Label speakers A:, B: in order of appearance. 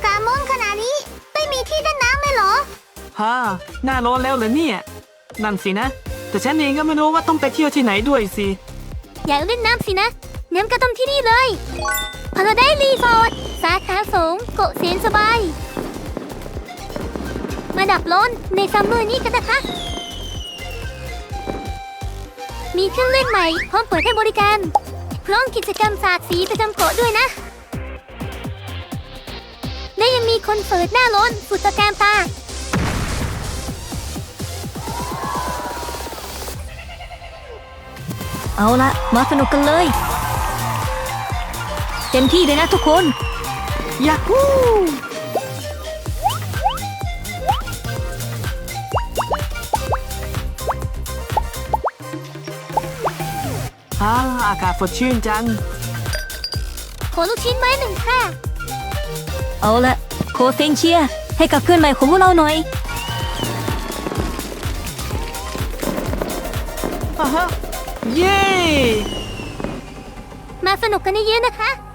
A: ากาศร้อนขนาดนี้ไม่มีที่เล่นน้ำเลยเหรอ
B: ฮ่าหน้าร้อนแล้วเหรอเนี่ยนั่นสินะแต่ฉันเองก็ไม่รู้ว่าต้องไปเที่ยวที่ไหนด้วยสิ
A: อยากเล่นน้ำสินะน้ำก็ต้องที่นี่เลยพาราไดซ์รีสอร์ทสาขาสูงเกาะเสียนสบายมาดับร้อนในซัมเมอร์นี้กันนะคะมีเครื่องเล่นใหม่พร้อมเปิดให้บริการพร้อมกิจกรรมสาดสีประจำเกาะด้วยนะและยังมีคอนเสิร์ตหน้าร้อนสุดตะการตา
C: เอาละมาสนุกกันเลยเต็มที่เลยนะทุกคน
B: ยาฮูอากาศสดชื่นจัง
A: ขอลูกชิ้นไม้หนึ่งค่ะ
C: เอาละโคเซงเชียร์ให้กับเพื่อนใหม่ของพวกเราหน่อย
B: เย้
A: มาสนุกกันเยอะๆนะคะ